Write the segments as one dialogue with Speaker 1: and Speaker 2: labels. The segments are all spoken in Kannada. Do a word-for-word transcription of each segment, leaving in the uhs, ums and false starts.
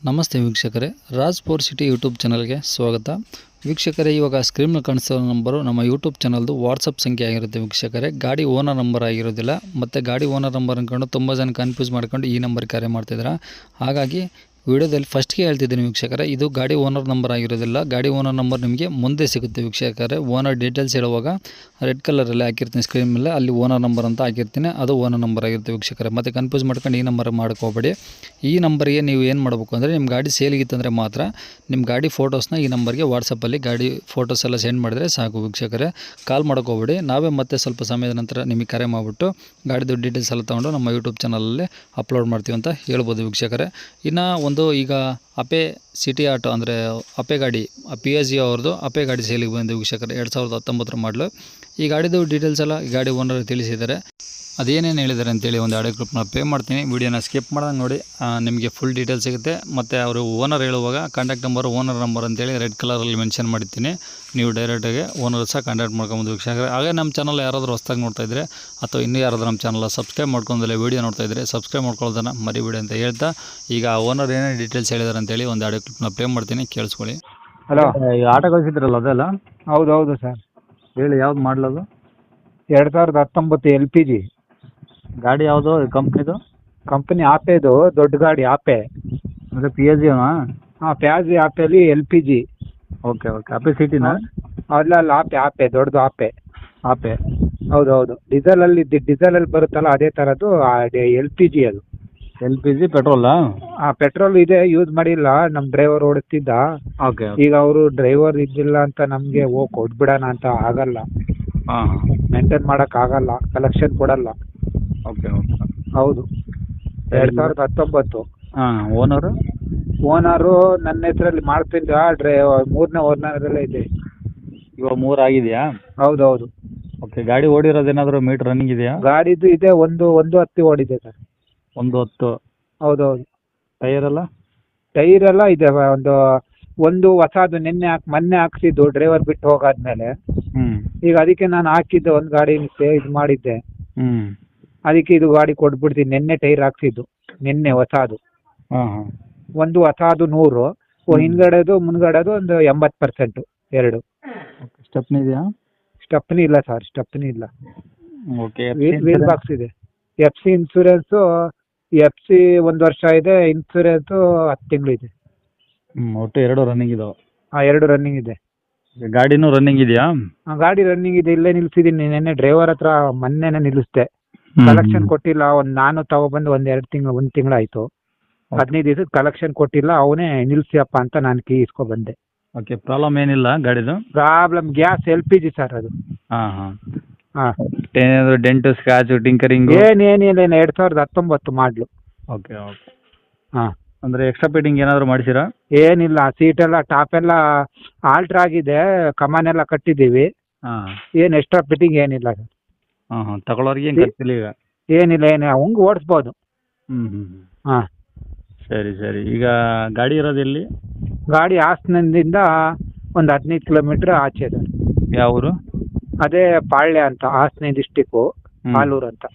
Speaker 1: ನಮಸ್ತೆ ವೀಕ್ಷಕರೇ, ರಾಜ್ ಫೋರ್ ಸಿಟಿ ಯೂಟ್ಯೂಬ್ ಚಾನಲ್ಗೆ ಸ್ವಾಗತ. ವೀಕ್ಷಕರೇ, ಇವಾಗ ಸ್ಕ್ರೀನ್ ಕಾಣಿಸೋ ನಂಬರು ನಮ್ಮ ಯೂಟ್ಯೂಬ್ ಚಾನಲ್ದು ವಾಟ್ಸಪ್ ಸಂಖ್ಯೆ ಆಗಿರುತ್ತೆ. ವೀಕ್ಷಕರೇ, ಗಾಡಿ ಓನರ್ ನಂಬರ್ ಆಗಿರೋದಿಲ್ಲ. ಮತ್ತು ಗಾಡಿ ಓನರ್ ನಂಬರ್ ಅಂದ್ಕೊಂಡು ತುಂಬ ಜನ ಕನ್ಫ್ಯೂಸ್ ಮಾಡ್ಕೊಂಡು ಈ ನಂಬರ್ ಕರೆ ಮಾಡ್ತಿದ್ದಾರೆ. ಹಾಗಾಗಿ ವಿಡಿಯೋದಲ್ಲಿ ಫಸ್ಟ್ಗೆ ಹೇಳ್ತಿದ್ದೀನಿ ವೀಕ್ಷಕರೇ, ಇದು ಗಾಡಿ ಓನರ್ ನಂಬರ್ ಆಗಿರೋದಿಲ್ಲ. ಗಾಡಿ ಓನರ್ ನಂಬರ್ ನಿಮಗೆ ಮುಂದೆ ಸಿಗುತ್ತೆ ವೀಕ್ಷಕರೇ. ಓನರ್ ಡೀಟೇಲ್ಸ್ ಹೇಳುವಾಗ ರೆಡ್ ಕಲರಲ್ಲಿ ಹಾಕಿರ್ತೀನಿ ಸ್ಕ್ರೀನ್ ಮೇಲೆ, ಅಲ್ಲಿ ಓನರ್ ನಂಬರ್ ಅಂತ ಹಾಕಿರ್ತೀನಿ, ಅದು ಓನರ್ ನಂಬರ್ ಆಗಿರುತ್ತೆ ವೀಕ್ಷಕರೇ. ಮತ್ತು ಕನ್ಫ್ಯೂಸ್ ಮಾಡ್ಕೊಂಡು ಈ ನಂಬರ್ ಮಾಡ್ಕೋಬೇಡಿ. ಈ ನಂಬರ್ಗೆ ನೀವು ಏನು ಮಾಡಬೇಕು ಅಂದರೆ, ನಿಮ್ಮ ಗಾಡಿ ಸೇಲಿಗಿತ್ತಂದರೆ ಮಾತ್ರ ನಿಮ್ಮ ಗಾಡಿ ಫೋಟೋಸ್ನ ಈ ನಂಬರ್ಗೆ ವಾಟ್ಸಪ್ಪಲ್ಲಿ ಗಾಡಿ ಫೋಟೋಸ್ ಎಲ್ಲ ಸೆಂಡ್ ಮಾಡಿದರೆ ಸಾಕು ವೀಕ್ಷಕರೇ. ಕಾಲ್ ಮಾಡ್ಕೋಬೇಡಿ. ನಾವೇ ಮತ್ತೆ ಸ್ವಲ್ಪ ಸಮಯದ ನಂತರ ನಿಮಗೆ ಕರೆ ಮಾಡಿಬಿಟ್ಟು ಗಾಡಿದು ಡೀಟೇಲ್ಸ್ ಎಲ್ಲ ತೊಗೊಂಡು ನಮ್ಮ ಯೂಟ್ಯೂಬ್ ಚಾನಲಲ್ಲಿ ಅಪ್ಲೋಡ್ ಮಾಡ್ತೀವಿ ಅಂತ ಹೇಳ್ಬೋದು ವೀಕ್ಷಕರೇ. ಇನ್ನು ಒಂದು ಈಗ ಅಪೆ ಸಿಟಿ ಆಟೋ ಅಂದರೆ ಅಪೆ ಗಾಡಿ ಪಿ ಎಸ್ ಜಿ ಅವ್ರದ್ದು ಅಪೆ ಗಾಡಿ ಸೇಲಿಗೆ ಬಂದು ವೀಕ್ಷಕರೇ, ಎರಡು ಸಾವಿರದ ಹತ್ತೊಂಬತ್ತರ ಮಾಡಲು. ಈ ಗಾಡಿದು ಡೀಟೇಲ್ಸ್ ಎಲ್ಲ ಈ ಗಾಡಿ ಓನರ್ ತಿಳಿಸಿದ್ದಾರೆ. ಅದೇನೇನು ಹೇಳಿದ್ದಾರೆ ಅಂತೇಳಿ ಒಂದು ಆಡಿಯೋ ಕ್ಲಿಪ್ನ ಪೇ ಮಾಡ್ತೀನಿ. ವೀಡಿಯೋನ ಸ್ಕಿಪ್ ಮಾಡ್ದಂಗೆ ನೋಡಿ, ನಿಮಗೆ ಫುಲ್ ಡೀಟೇಲ್ಸ್ ಸಿಗುತ್ತೆ. ಮತ್ತು ಅವರು ಓನರ್ ಹೇಳುವಾಗ ಕಾಂಟ್ಯಾಕ್ಟ್ ನಂಬರ್ ಓನರ್ ನಂಬರ್ ಅಂತೇಳಿ ರೆಡ್ ಕಲರಲ್ಲಿ ಮೆನ್ಷನ್ ಮಾಡಿರ್ತೀನಿ. ನೀವು ಡೈರೆಕ್ಟಾಗಿ ಓನರ್ ಸಹ ಕಾಂಟ್ಯಾಕ್ಟ್ ಮಾಡ್ಕೊಬೋದು ವೀಕ್ಷಕರೇ. ಹಾಗೆ ನಮ್ಮ ಚಾನಲ್ ಯಾರಾದರೂ ಹೊಸ್ದಾಗಿ ನೋಡ್ತಾ ಇದ್ದರೆ ಅಥವಾ ಇನ್ನೂ ಯಾರಾದರೂ ನಮ್ಮ ಚಾನಲ್ ಸಬ್ಸ್ಕ್ರೈಬ್ ಮಾಡ್ಕೊಂಡಲ್ಲೇ ವೀಡಿಯೋ ನೋಡ್ತಾ ಇದ್ದರೆ ಸಬ್ಸ್ಕ್ರೈಬ್ ಮಾಡ್ಕೊಳ್ಳೋದನ್ನು ಮರಿಬೇಡಿ ಅಂತ ಹೇಳ್ತಾ, ಈಗ ಓನರ್ ಏನೇನು ಡೀಟೇಲ್ಸ್ ಹೇಳಿದ್ದಾರೆ ಅಂತೇಳಿ ಒಂದು ಆಡಿಯೋ ಕ್ಲಿಪ್ನ ಪ್ಲೇ ಮಾಡ್ತೀನಿ, ಕೇಳಿಸ್ಕೊಳ್ಳಿ.
Speaker 2: ಹಲೋ,
Speaker 3: ಈಗ ಆಟೋ ಕಳಿಸಿದ್ರಲ್ಲ ಅದೆಲ್ಲ
Speaker 2: ಹೌದು ಹೌದು ಸರ್.
Speaker 3: ಹೇಳಿ, ಯಾವ್ದು ಮಾಡಲದು?
Speaker 2: ಎರಡು ಸಾವಿರದ ಹತ್ತೊಂಬತ್ತು ಎಲ್ ಪಿ ಜಿ
Speaker 3: ಗಾಡಿ ಯಾವುದು ಕಂಪ್ನಿದು?
Speaker 2: ಕಂಪನಿ ಆಪೆದು ದೊಡ್ಡ ಗಾಡಿ ಆಪೆ.
Speaker 3: ಅಂದರೆ ಪಿ ಎಸ್ ಜಿನಾ?
Speaker 2: ಹಾಂ, ಪ್ಯಾಜಿ ಆಪೆಲಿ L P G.
Speaker 3: Okay okay Ape ಸಿಟಿನಾ?
Speaker 2: ಅಲ್ಲ ಅಲ್ಲ, ಆಪೆ ಆಪೆ ದೊಡ್ಡದು ಆಪೆ.
Speaker 3: ಆಪೆ
Speaker 2: ಹೌದು ಹೌದು, ಡೀಸೆಲಲ್ಲಿ ಡೀಸೆಲಲ್ಲಿ ಬರುತ್ತಲ್ಲ ಅದೇ ಥರದ್ದು ಎಲ್ ಪಿ ಜಿ ಅದು.
Speaker 3: ಎಲ್ ಪಿ ಜಿ ಪೆಟ್ರೋಲಾ?
Speaker 2: ಹಾಂ, ಪೆಟ್ರೋಲ್ ಇದೆ, ಯೂಸ್ ಮಾಡಿಲ್ಲ. ನಮ್ಮ ಡ್ರೈವರ್ ಓಡಿಸ್ತಿದ್ದ.
Speaker 3: ಓಕೆ
Speaker 2: ಈಗ ಅವರು ಡ್ರೈವರ್ ಇದ್ದಿಲ್ಲ ಅಂತ ನಮಗೆ ಓ ಕೊಟ್ಬಿಡೋಣ ಅಂತ ಆಗಲ್ಲ.
Speaker 3: ಹಾಂ
Speaker 2: ಮೇಂಟೈನ್ ಮಾಡೋಕ್ಕಾಗಲ್ಲ, ಕಲೆಕ್ಷನ್ ಕೊಡಲ್ಲ.
Speaker 3: ಓಕೆ ಓಕೆ
Speaker 2: ಹೌದು, ಎರಡು ಸಾವಿರದ ಹತ್ತೊಂಬತ್ತು.
Speaker 3: ಹಾಂ, ಓನರು?
Speaker 2: ಓನರು ನನ್ನ ಹೆಸರಲ್ಲಿ ಮಾಡ್ತಿದ್ದ, ಡ್ರೈ ಮೂರನೇ ಓನರಲ್ಲೇ ಇದೆ.
Speaker 3: ಇವಾಗ ಮೂರು ಆಗಿದೆಯಾ?
Speaker 2: ಹೌದು ಹೌದು.
Speaker 3: ಓಕೆ, ಗಾಡಿ ಓಡಿರೋದೇನಾದರೂ ಮೀಟ್ರ್ ರನ್ನಿಂಗ್ ಇದೆಯಾ?
Speaker 2: ಗಾಡಿದು ಇದೆ, ಒಂದು ಒಂದು ಹತ್ತಿ ಓಡಿದೆ ಸರ್.
Speaker 3: ಒಂದು ಹತ್ತು?
Speaker 2: ಹೌದು ಹೌದು.
Speaker 3: ಟೈರೆಲ್ಲ?
Speaker 2: ಟೈರ್ ಎಲ್ಲ ಇದೆ. ಒಂದು ಒಂದು ಹೊಸದು ನಿನ್ನೆ ಹಾಕಿ ಮೊನ್ನೆ ಹಾಕ್ಸಿದ್ದು ಡ್ರೈವರ್ ಬಿಟ್ಟು ಹೋಗಾದ್ಮೇಲೆ.
Speaker 3: ಹ್ಞೂ.
Speaker 2: ಈಗ ಅದಕ್ಕೆ ನಾನು ಹಾಕಿದ್ದೆ ಒಂದು ಗಾಡಿ ಇದು ಮಾಡಿದ್ದೆ.
Speaker 3: ಹ್ಞೂ.
Speaker 2: ಅದಕ್ಕೆ ಇದು ಗಾಡಿ ಕೊಟ್ಬಿಡ್ತೀನಿ. ನಿನ್ನೆ ಟೈರ್ ಹಾಕ್ಸಿದ್ದು, ನಿನ್ನೆ ಹೊಸದು.
Speaker 3: ಹಾಂ ಹಾಂ.
Speaker 2: ಒಂದು ಹೊಸದು ನೂರು, ಹಿಂದ್ಗಡೆದು ಮುಂದ್ಗಡೆದು ಒಂದು ಎಂಬತ್ತು ಪರ್ಸೆಂಟು ಎರಡು.
Speaker 3: ಓಕೆ, ಸ್ಟೆಪ್ನಿ ಇದೆಯಾ?
Speaker 2: ಸ್ಟೆಪ್ನಿ ಇಲ್ಲ ಸರ್, ಸ್ಟೆಪ್ನಿ ಇಲ್ಲ.
Speaker 3: ಓಕೆ.
Speaker 2: ವೀಲ್ ಬಾಕ್ಸ್ ಇದೆ. F C insurance F C ಒಂದು ವರ್ಷ ಇದೆ, ಇನ್ಸೂರೆನ್ಸು ಹತ್ತು ತಿಂಗಳು ಇದೆ.
Speaker 3: ಹ್ಞೂ, ಒಟ್ಟು ಎರಡು ರನ್ನಿಂಗ್ ಇದಾವೆ?
Speaker 2: ಹಾಂ, ಎರಡು ರನ್ನಿಂಗ್ ಇದೆ.
Speaker 3: ಗಾಡಿನೂ ರನ್ನಿಂಗ್ ಇದೆಯಾ?
Speaker 2: ಹಾಂ, ಗಾಡಿ ರನ್ನಿಂಗ್ ಇದೆ. ಇಲ್ಲೇ ನಿಲ್ಸಿದ್ದೀನಿ. ನಿನ್ನೆ ಡ್ರೈವರ್ ಹತ್ರ ಮೊನ್ನೆನೇ ನಿಲ್ಲಿಸ್ದೆ. ಕಲೆಕ್ಷನ್ ಕೊಟ್ಟಿಲ್ಲ. ಒಂದು ನಾನು ತಗೊಬಂದು ಒಂದು ಎರಡು ತಿಂಗಳು ಒಂದು ತಿಂಗಳಾಯಿತು. ಹದಿನೈದು ದಿವಸಕ್ಕೆ ಕಲೆಕ್ಷನ್ ಕೊಟ್ಟಿಲ್ಲ. ಅವನೇ ನಿಲ್ಸಿಯಪ್ಪ ಅಂತ ನಾನು ಕೀ ಇಸ್ಕೊ ಬಂದೆ.
Speaker 3: ಓಕೆ, ಪ್ರಾಬ್ಲಮ್ ಏನಿಲ್ಲ ಗಾಡಿದು?
Speaker 2: Problem gas L P G sir ಅದು.
Speaker 3: ಹಾಂ ಹಾಂ
Speaker 2: ಹಾಂ,
Speaker 3: ಏನಾದರೂ ಡೆಂಟು ಸ್ಕ್ರಾಚು ಟಿಂಕರಿಂಗು?
Speaker 2: ಏನೇನಿಲ್ಲ, ಏನು ಎರಡು ಸಾವಿರದ ಹತ್ತೊಂಬತ್ತು ಮಾಡಲು.
Speaker 3: Okay okay.
Speaker 2: ಹಾಂ,
Speaker 3: ಅಂದರೆ ಎಕ್ಸ್ಟ್ರಾ ಫಿಟ್ಟಿಂಗ್ ಏನಾದರೂ ಮಾಡಿಸಿರಾ?
Speaker 2: ಏನಿಲ್ಲ. ಸೀಟೆಲ್ಲ ಟಾಪೆಲ್ಲ ಆಲ್ಟ್ರ್ ಆಗಿದೆ, ಕಮಾನೆಲ್ಲ ಕಟ್ಟಿದ್ದೀವಿ.
Speaker 3: ಹಾಂ.
Speaker 2: ಏನು ಎಕ್ಸ್ಟ್ರಾ ಫಿಟ್ಟಿಂಗ್ ಏನಿಲ್ಲ ಸರ್.
Speaker 3: ಹಾಂ ಹಾಂ, ತಗೊಳ್ಳೋರಿಗೆ ಏನು ಖರ್ಚಿಲ್ಲ ಈಗ?
Speaker 2: ಏನಿಲ್ಲ, ಏನು ಹಂಗೆ ಓಡಿಸ್ಬೋದು.
Speaker 3: ಹ್ಞೂ ಹ್ಞೂ.
Speaker 2: ಹಾಂ,
Speaker 3: ಸರಿ ಸರಿ. ಈಗ ಗಾಡಿ ಇರೋದು ಎಲ್ಲಿ?
Speaker 2: ಗಾಡಿ ಹಾಸನದಿಂದ ಒಂದು ಹದಿನೈದು ಕಿಲೋಮೀಟ್ರ್ ಆಚೆ ಇದೆ.
Speaker 3: ಯಾವ ಊರು?
Speaker 2: ಅದೇ ಪಾಳ್ಯ ಅಂತ, ಹಾಸನ ಡಿಸ್ಟಿಕ್ಕು, ಆಲೂರು ಅಂತ.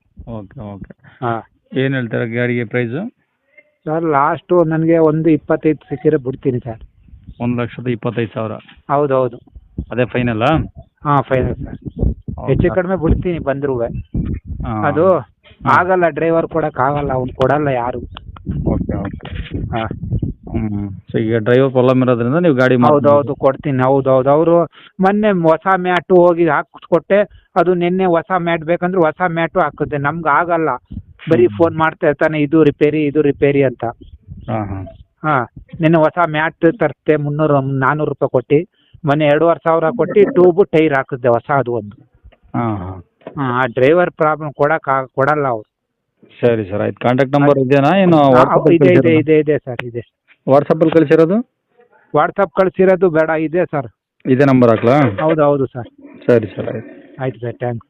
Speaker 3: Okay okay.
Speaker 2: ಹಾಂ.
Speaker 3: ಏನು ಹೇಳ್ತಾರೆ ಗಾಡಿಗೆ ಪ್ರೈಸು?
Speaker 2: ಸರ್ ಲಾಸ್ಟು ನನಗೆ ಒಂದು ಇಪ್ಪತ್ತೈದು ಸಿಕ್ಕಿದ್ರೆ ಬಿಡ್ತೀನಿ ಸರ್.
Speaker 3: ಒಂದು ಲಕ್ಷದ ಇಪ್ಪತ್ತೈದು ಸಾವಿರ?
Speaker 2: ಹೌದು ಹೌದು.
Speaker 3: ಅದೇ ಫೈನಲ್ಲಾ?
Speaker 2: ಹಾಂ, ಫೈನಲ್ ಸರ್. ಹೆಚ್ಚು ಕಡಿಮೆ ಬಿಡ್ತೀನಿ ಬಂದರೂ.
Speaker 3: ಹಾಂ.
Speaker 2: ಅದು ಆಗಲ್ಲ, ಡ್ರೈವರ್ ಕೊಡೋಕ್ಕಾಗಲ್ಲ, ಅವ್ನು ಕೊಡಲ್ಲ ಯಾರು.
Speaker 3: Okay okay.
Speaker 2: ಹಾಂ.
Speaker 3: ಹ್ಞೂ. ಸೊ ಈಗ ಡ್ರೈವರ್ ಪ್ರಾಬ್ಲಮ್ ಇರೋದ್ರಿಂದ ನೀವು ಗಾಡಿ
Speaker 2: ಹೌದು ಹೌದು ಕೊಡ್ತೀನಿ. ಹೌದು ಹೌದು. ಅವರು ಮೊನ್ನೆ ಹೊಸ ಮ್ಯಾಟು ಹೋಗಿ ಹಾಕಿಸ್ಕೊಟ್ಟೆ. ಅದು ನಿನ್ನೆ ಹೊಸ ಮ್ಯಾಟ್ ಬೇಕಂದ್ರೆ ಹೊಸ ಮ್ಯಾಟು ಹಾಕಿದ್ದೆ. ನಮ್ಗೆ ಆಗಲ್ಲ, ಬರೀ ಫೋನ್ ಮಾಡ್ತಾ ಇರ್ತಾನೆ, ಇದು ರಿಪೇರಿ ಇದು ರಿಪೇರಿ ಅಂತ.
Speaker 3: ಹಾಂ ಹಾಂ
Speaker 2: ಹಾಂ, ನಿನ್ನೆ ಹೊಸ ಮ್ಯಾಟ್ ತರಿಸ್ದೆ ಮುನ್ನೂರು ನಾನ್ನೂರು ರೂಪಾಯಿ ಕೊಟ್ಟು. ಮೊನ್ನೆ ಎರಡೂವರೆ ಸಾವಿರ ಕೊಟ್ಟು ಟ್ಯೂಬು ಟೈರ್ ಹಾಕಿದ್ದೆ ಹೊಸ ಅದು ಒಂದು.
Speaker 3: ಹಾಂ ಹಾಂ
Speaker 2: ಹಾಂ, ಆ ಡ್ರೈವರ್ ಪ್ರಾಬ್ಲಮ್ ಕೊಡಕ್ಕೆ ಕೊಡಲ್ಲ ಅವರು.
Speaker 3: ಸರಿ ಸರ್, ಆಯ್ತು. ಕಾಂಟ್ಯಾಕ್ಟ್ ನಂಬರ್ ಇದೆಯಾ? ಏನು
Speaker 2: ಇದೆ ಇದೆ ಇದೆ ಇದೆ ಸರ್, ಇದೆ.
Speaker 3: ವಾಟ್ಸಪ್ಪಲ್ಲಿ ಕಳಿಸಿರೋದು?
Speaker 2: ವಾಟ್ಸಪ್ ಕಳಿಸಿರೋದು ಬೇಡ, ಇದೆ ಸರ್.
Speaker 3: ಇದೇ ನಂಬರ್ ಹಾಕ್ಲಾ?
Speaker 2: ಹೌದು ಹೌದು ಸರ್.
Speaker 3: ಸರಿ ಸರ್, ಆಯ್ತು.
Speaker 2: ಆಯ್ತು ಸರ್, ಥ್ಯಾಂಕ್ಸ್.